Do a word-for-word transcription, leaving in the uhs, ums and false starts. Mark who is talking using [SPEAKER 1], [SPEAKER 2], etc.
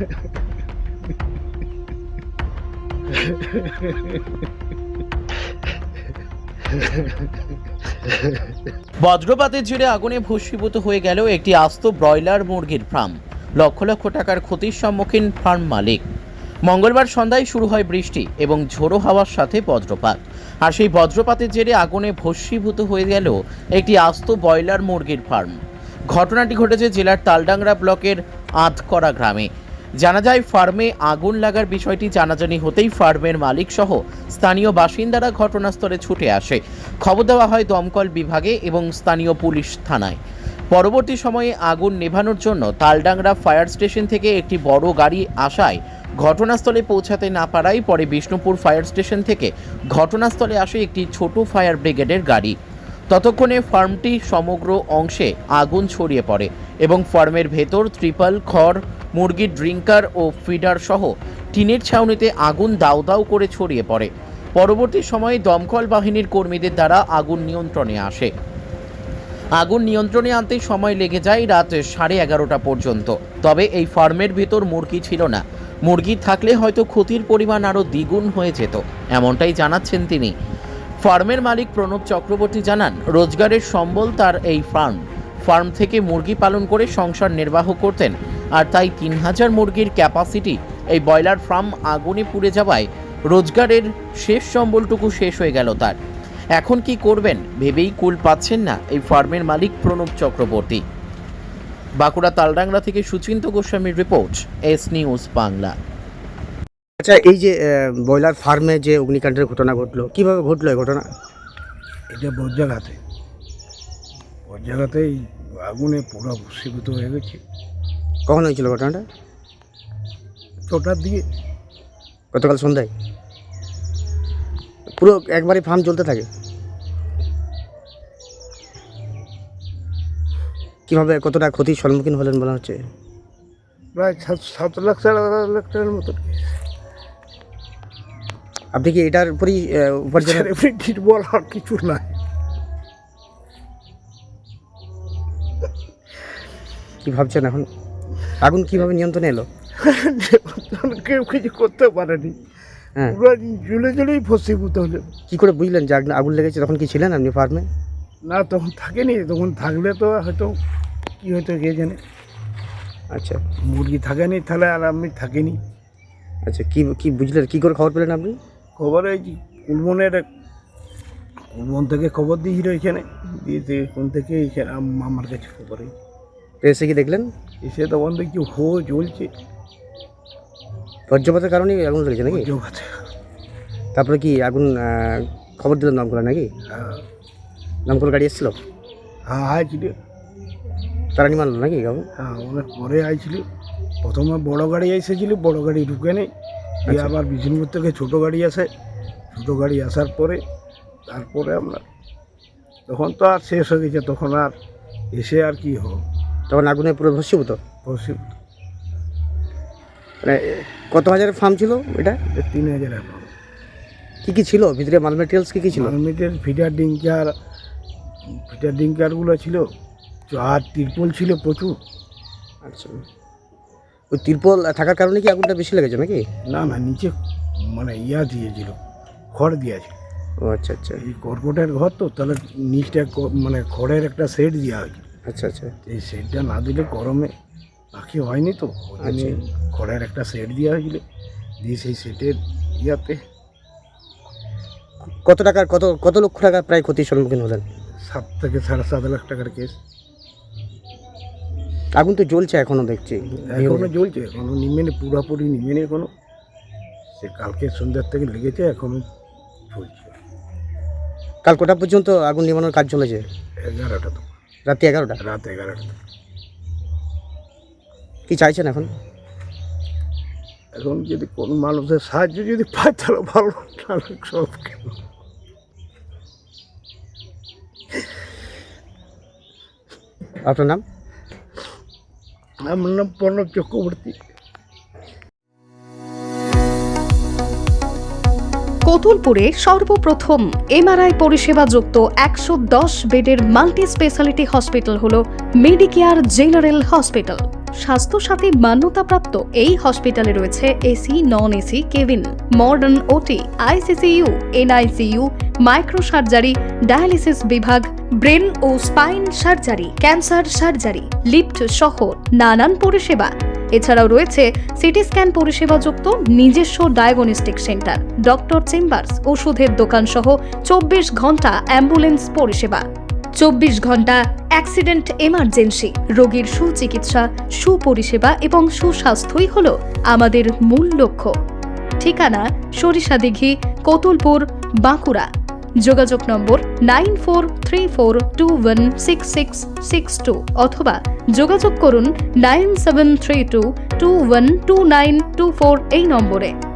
[SPEAKER 1] বজ্রপাতের জেরে আগুনে ভস্মীভূত হয়ে গেল একটি আস্ত ব্রয়লার মুরগির ফার্ম। লক্ষ লক্ষ টাকার ক্ষতির সম্মুখীন ফার্ম মালিক। মঙ্গলবার সন্ধ্যায় শুরু হয় বৃষ্টি এবং ঝোড়ো হাওয়ার সাথে বজ্রপাত। আর সেই বজ্রপাতের জেরে আগুনে ভস্মীভূত হয়ে গেল একটি আস্ত ব্রয়লার মুরগির ফার্ম। ঘটনাটি ঘটেছে জেলার তালডাংরা ব্লকের আধকরা গ্রামে। জানা যায়, ফার্মে আগুন লাগার বিষয়টি জানাজানি হতেই ফার্মের মালিক সহ স্থানীয় বাসিন্দারা ঘটনাস্থলে ছুটে আসে। খবর দেওয়া হয় দমকল বিভাগে এবং স্থানীয় পুলিশ থানায়। পরবর্তী সময়ে আগুন নেভানোর জন্য তালডাংরা ফায়ার স্টেশন থেকে একটি বড় গাড়ি আসায় ঘটনাস্থলে পৌঁছাতে না পারায় পরে বিষ্ণুপুর ফায়ার স্টেশন থেকে ঘটনাস্থলে আসে একটি ছোট ফায়ার ব্রিগেডের গাড়ি। ততক্ষণে ফার্মটি সমগ্র অংশে আগুন ছড়িয়ে পড়ে এবং ফার্মের ভেতর ত্রিপল, খড়, মুরগির ড্রিঙ্কার ও ফিডার সহ টিনের ছাউনিতে আগুন দাউ দাউ করে ছড়িয়ে পড়ে। পরবর্তী সময়ে দমকল বাহিনীর কর্মীদের দ্বারা আগুন নিয়ন্ত্রণে আসে। আগুন নিয়ন্ত্রণে আনতে সময় লেগে যায় রাত সাড়ে এগারোটা পর্যন্ত। তবে এই ফার্মের ভেতর মুরগি ছিল না। মুরগি থাকলে হয়তো ক্ষতির পরিমাণ আরও দ্বিগুণ হয়ে যেত, এমনটাই জানাচ্ছেন তিনি। ফার্মের মালিক প্রণব চক্রবর্তী জানান, রোজগারের সম্বল তার এই ফার্ম। ফার্ম থেকে মুরগি পালন করে সংসার নির্বাহ করতেন, আর তাই তিন হাজার মুরগির ক্যাপাসিটি এই ব্রয়লার ফার্ম আগুনে পুড়ে যাওয়ায় রোজগারের শেষ সম্বলটুকু শেষ হয়ে গেল তার। এখন কি করবেন ভেবেই কুল পাচ্ছেন না এই ফার্মের মালিক প্রণব চক্রবর্তী। বাঁকুড়া তালডাংরা থেকে সুচিন্ত গোস্বামীর রিপোর্ট, এস নিউজ বাংলা।
[SPEAKER 2] আচ্ছা, এই যে ব্রয়লার ফার্মে যে অগ্নিকাণ্ডের ঘটনা ঘটলো, কিভাবে ঘটলো এই ঘটনা?
[SPEAKER 3] এটা বজ্রাঘাতে বজ্রাঘাতে এই আগুনে পুরো ভস্মীভূত হয়ে গেছে।
[SPEAKER 2] কখন হয়েছিল ঘটনাটা?
[SPEAKER 3] ছটার দিকে,
[SPEAKER 2] গতকাল সন্ধ্যায়। পুরো একবারে ফার্ম জ্বলতে থাকে। কিভাবে, কতটা ক্ষতির সম্মুখীন হলেন বলা হচ্ছে?
[SPEAKER 3] প্রায় সাত সাত লাখ সাড়ে আট লাখ টাকার মতো।
[SPEAKER 2] আপনি কি এটার উপরই উপার্জন?
[SPEAKER 3] বল আর কিছু নাই।
[SPEAKER 2] কি ভাবছেন এখন? আগুন কিভাবে নিয়ন্ত্রণে এলো?
[SPEAKER 3] কেউ কিছু করতে পারেনি,
[SPEAKER 2] হ্যাঁ,
[SPEAKER 3] পুরো জ্বলে জ্বলেই ভস্মীভূত হলো।
[SPEAKER 2] কি করে বুঝলেন যে আগুন লেগেছে? তখন কি ছিলেন আপনি ফার্মে?
[SPEAKER 3] না, তখন থাকেনি। তখন থাকলে তো হয়তো কি হয়তো কে জানে।
[SPEAKER 2] আচ্ছা,
[SPEAKER 3] মুরগি থাকেনি তাহলে, আর আমি থাকিনি।
[SPEAKER 2] আচ্ছা, কি কি বুঝলেন, কি করে খবর পেলেন আপনি?
[SPEAKER 3] খবর এই কুলবনের কুলবন থেকে খবর দিয়েছিল এখানে, দিয়েছে কোন থেকে এখানে আমার কাছে খবর।
[SPEAKER 2] এসে কি দেখলেন?
[SPEAKER 3] এসে তখন দেখছি হো জ্বলছে।
[SPEAKER 2] বজ্রপাতের কারণেই আগুন লেগেছে নাকি?
[SPEAKER 3] বজ্রপাত।
[SPEAKER 2] তারপরে কি আগুন খবর দিলেন দমকল নাকি?
[SPEAKER 3] হ্যাঁ,
[SPEAKER 2] দমকল গাড়ি এসেছিল?
[SPEAKER 3] হ্যাঁ আইছিল।
[SPEAKER 2] তারা নিয়ে মানলো নাকি আগুন?
[SPEAKER 3] হ্যাঁ, অনেক পরে আইছিল। প্রথমে বড় গাড়ি এসেছিল, বড় গাড়ি ঢুকে নেই। দিয়ে
[SPEAKER 2] আচ্ছা।
[SPEAKER 3] আবার বিষ্ণুপুর থেকে ছোটো গাড়ি আসে। ছোটো গাড়ি আসার পরে তারপরে আমরা, তখন তো আর শেষ হয়ে গেছে। তখন আর এসে আর কি হোক,
[SPEAKER 2] তখন আগুনে পুরো ভস্মীভূত।
[SPEAKER 3] ভস্মীভূত।
[SPEAKER 2] মানে কত হাজারের ফার্ম ছিল এটা?
[SPEAKER 3] তিন হাজার এখন।
[SPEAKER 2] কী কী ছিল ভিতরে, মাল মেটেরিয়ালস কী কী ছিল?
[SPEAKER 3] মালমিটের ফিডার ডিঙ্কার, ফিডার ডিঙ্কারগুলো ছিল, আর তিরপল ছিল প্রচুর।
[SPEAKER 2] আচ্ছা, ওই তিরপল থাকার কারণে কি আগুনটা বেশি লেগেছে নাকি?
[SPEAKER 3] না না, নিচে মানে ইয়া দিয়েছিল, খড় দিয়েছিল।
[SPEAKER 2] ও আচ্ছা আচ্ছা।
[SPEAKER 3] এই কর্কটের ঘর তো, তাহলে নিচটা মানে খড়ের একটা সেট দেওয়া হয়েছিল।
[SPEAKER 2] আচ্ছা আচ্ছা।
[SPEAKER 3] এই সেটটা না দিলে গরমে পাখি হয়নি তো,
[SPEAKER 2] আচ্ছা।
[SPEAKER 3] খড়ের একটা সেট দেওয়া হয়েছিল। দিয়ে সেই সেটের ইয়াতে
[SPEAKER 2] কত টাকার, কত কত লক্ষ টাকা প্রায় ক্ষতির সম্মুখীন হলেন?
[SPEAKER 3] সাত থেকে সাড়ে সাত লাখ টাকার কেস।
[SPEAKER 2] আগুন তো জ্বলছে এখনও দেখছি।
[SPEAKER 3] এখনো জ্বলছে, এখনো নিমেনি, পুরোপুরি নিমেনি এখনো। সে কালকে সন্ধ্যার থেকে লেগেছে, এখনো চলছে।
[SPEAKER 2] কাল কটা পর্যন্ত আগুন নিভানোর কাজ চলেছে?
[SPEAKER 3] এগারোটা তো,
[SPEAKER 2] রাত্রি এগারোটা?
[SPEAKER 3] রাত এগারোটা।
[SPEAKER 2] কি চাইছেন এখন?
[SPEAKER 3] এখন যদি কোন মানুষের সাহায্য যদি পায় তাহলে ভালো, তাহলে সব কেন।
[SPEAKER 2] আপনার নাম?
[SPEAKER 3] আমার নাম প্রণব চক্রবর্তী।
[SPEAKER 4] কতুলপুরে সর্বপ্রথম এমআরআই পরিষেবা যুক্ত একশো দশ বেডের মাল্টি স্পেশালিটি হসপিটাল হল মেডিকেয়ার জেনারেল হসপিটাল। স্বাস্থ্যসাথী মান্যতাপ্রাপ্ত এই হসপিটালে রয়েছে AC, non AC cabin, modern OT, ICCU, NICU, micro surgery, dialysis বিভাগ, ব্রেন ও spine surgery, cancer surgery, lift সহ নানান পরিষেবা। এছাড়াও রয়েছে সিটি স্ক্যান পরিষেবাযুক্ত নিজস্ব ডায়াগনস্টিক সেন্টার, ডক্টর চেম্বার্স, ওষুধের দোকান সহ চব্বিশ ঘন্টা অ্যাম্বুলেন্স পরিষেবা, চব্বিশ ঘন্টা অ্যাক্সিডেন্ট এমার্জেন্সি। রোগীর সুচিকিৎসা, সুপরিষেবা এবং সুস্বাস্থ্যই হল আমাদের মূল লক্ষ্য। ঠিকানা সরিষাদিঘি, কতুলপুর, বাঁকুড়া। যোগাযোগ নম্বর nine four three four two one six six six two অথবা যোগাযোগ করুন nine seven three two two one two nine two four এই নম্বরে।